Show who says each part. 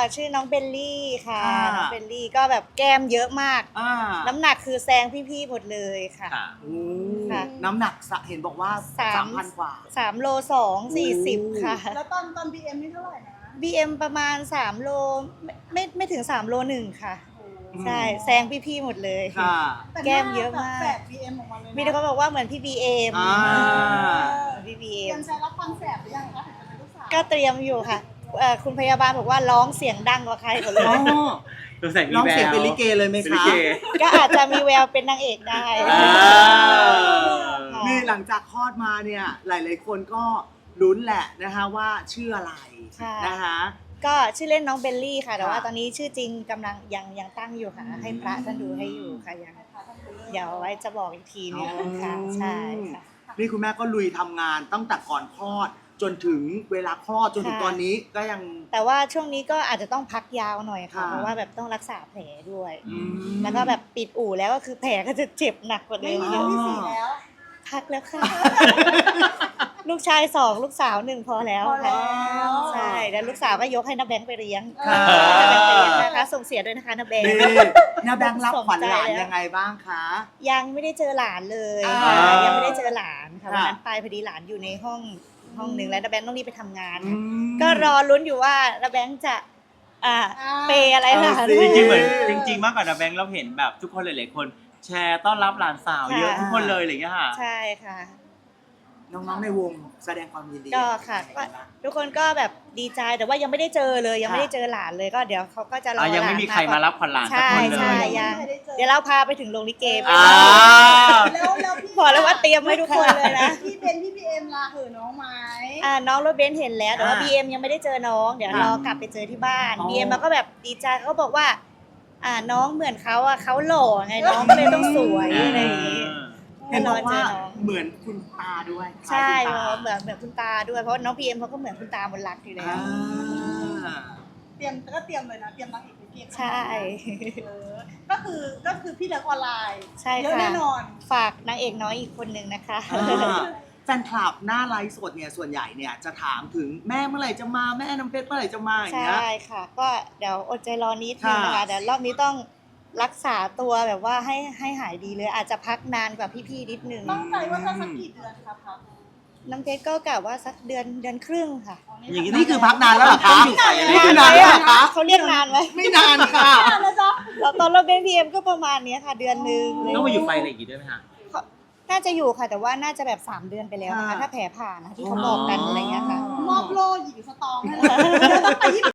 Speaker 1: ชื่อน้องเบลลี่ค่ะน้องเบลลี่ก็แบบแก้มเยอะมากน้ำหนักคือแซงพี่ๆหมดเลยค่ะ
Speaker 2: น้ำหนักเห็นบอกว่า 3,000 กว่า
Speaker 1: 3 โล 2 40ค่ะ
Speaker 3: แล้วตอน BM นี่เท่าไหร่นะ
Speaker 1: BM ประมาณ3 โลไม่ถึง3 โล 1ค่ะใช่แซงพี่ๆหมดเลยแก้มเยอะมาก
Speaker 3: แฝด BM ออกมาเลยนะ
Speaker 1: มีแต่เขาบอกว่าเหมือนพี่ BM พี่
Speaker 3: เตรี
Speaker 1: BM
Speaker 3: ยมใจรับความแสบหรือยังคะถึงจะเป็นลูกสาว
Speaker 1: ก็เตรียมอยู่ค่ะคุณพยาบาลบอกว่าร้องเสียงดังกว่าใครหมดเลย
Speaker 2: น้องเสียงเป็นลิเกเลยไหมคะ
Speaker 1: ก็อาจจะมีแววเป็นนางเอกได้
Speaker 2: นี่หลังจากคลอดมาเนี่ยหลายๆคนก็ลุ้นแหละนะคะว่าชื่ออะไรนะคะ
Speaker 1: ก็ชื่อเล่นน้องเบลลี่ค่ะแต่ว่าตอนนี้ชื่อจริงกำลังยังตั้งอยู่ค่ะให้พระท่านดูให้อยู่ค่ะยังเดี๋ยวไว้จะบอกอีกทีนึงค่ะใช่ค่ะ
Speaker 2: นี่คุณแม่ก็ลุยทำงานตั้งแต่ก่อนคลอดจนถึงเวลาคลอดจนถึงตอนนี้ก็ยัง
Speaker 1: แต่ว่าช่วงนี้ก็อาจจะต้องพักยาวหน่อยค่ะเพราะว่าแบบต้องรักษาแผลด้วยแล้วก็แบบปิดอู่แล้วก็คือแผลก็จะเจ็บหนักกว่าเดิมเยอะ
Speaker 3: ที่4แล้ว
Speaker 1: พักแล้วค่ะ ลูกชาย2ลูกสาว1พอแล้วค่ะใช่แล้วลูกสาวก็ยกให้น้าแบงค์ไปเลี้ยงน้าแบงค์ไปเลี้ยงนะคะส่งเสียด้วยนะคะน้าแบงค์
Speaker 2: น้าแบงค์รับขวัญหลานยังไงบ้างคะ
Speaker 1: ยังไม่ได้เจอหลานเลยยังไม่ได้เจอหลานค่ะวันนั้นไปพอดีหลานอยู่ในห้องนึงแล้วน้าแบงค์ต้องรีบไปทำงานก็รอลุ้นอยู่ว่าน้าแบงค์จะเปย์อะไรหลาน
Speaker 4: จริงๆเหมือนจริงๆมากกว่าน้าแบงค์เราเห็นแบบทุกคนหลายๆคนแชร์ต้อนรับหลานสาวเยอะทุกคนเลยอะไรอย่างเงี้ยค่ะ
Speaker 1: ใช่ค่ะ
Speaker 2: น้องๆในวงแสดงความยินดี
Speaker 1: ก็ค่ะทุกคนก็แบบดีใจแต่ว่ายังไม่ได้เจอเลยยังไม่ได้เจอหลานเลยก็เดี๋ยวเขาก็จะรอหลาน
Speaker 4: ยังไม่มีใครมารับขวัญหลานสักคนเลย
Speaker 1: ใช่ยังเดี๋ยวเราพาไปถึงโรงลิเกไป
Speaker 3: แล้วพี่
Speaker 1: บอกแล้วว่าเตรียมไว้ทุกคนเลยนะ
Speaker 3: พี่เบนพี่ BM ล่ะเหอะน้องไหม
Speaker 1: น้องรถเบนซ์เห็นแล้วแต่ว่า BM ยังไม่ได้เจอน้องเดี๋ยวรอกลับไปเจอที่บ้าน BM มันก็แบบดีใจเขาบอกว่าน้องเหมือนเขาเขาหล่อไงน้องก็เลยต้องสวยอะไรอย่างนี้
Speaker 2: เห็นบอกว่าเหมือนคุณตาด้วย
Speaker 1: ใช่เหมือนคุณตาด้วยเพราะน้อง BM เขาก็เหมือนคุณตามนรักอยู่แล้ว
Speaker 3: เตรียมเลยนะเตรียมนางเอกไปเก็บ
Speaker 1: ใช่
Speaker 3: ก็คือพี่เลิกออนไลน์
Speaker 1: ใช่
Speaker 3: เยอะแน่นอน
Speaker 1: ฝากนางเอกน้อยอีกคนนึงนะคะ
Speaker 2: แฟนคลับหน้าไลฟ์สดเนี่ยส่วนใหญ่เนี่ยจะถามถึงแม่เมื่อไหร่จะมาแม่น้ำเพชรเมื่อไหร่จะมาอย่างเงี้ย
Speaker 1: ใช่ค่ะก็เดี๋ยวอดใจรอนิดนึงนะคะเดี๋ยวรอบนี้ต้องรักษาตัวแบบว่าให้หายดีเลยอาจจะพักนานกว่าพี่ๆนิดนึง
Speaker 3: ตั้งใจว่าจะสักกี่เดือนครับ
Speaker 1: น้ำเพชรก็กะว่าสักเดือนครึ่งค่ะ
Speaker 2: อย่างนี้นี่คือพักนานแล้วเหรอคะ
Speaker 1: นี่คือนานแล้วคะเขาเรียกนานไหม
Speaker 2: ไม่นานค่ะ
Speaker 1: เราตอนเราเป็น PM ก็ประมาณนี้ค่ะเดือนนึง
Speaker 4: ต้องมาอยู่ไฟอะไรอีกด้วยไหมคะ
Speaker 1: น่าจะอยู่ค่ะแต่ว่าน่าจะแบบ3 เดือนไปแล้วนะคะถ้าแผลผ่านนะที่เขาบอกกันอะไรเงี้ยค่ะ
Speaker 3: มอบโล่หญิงสตองให้เลย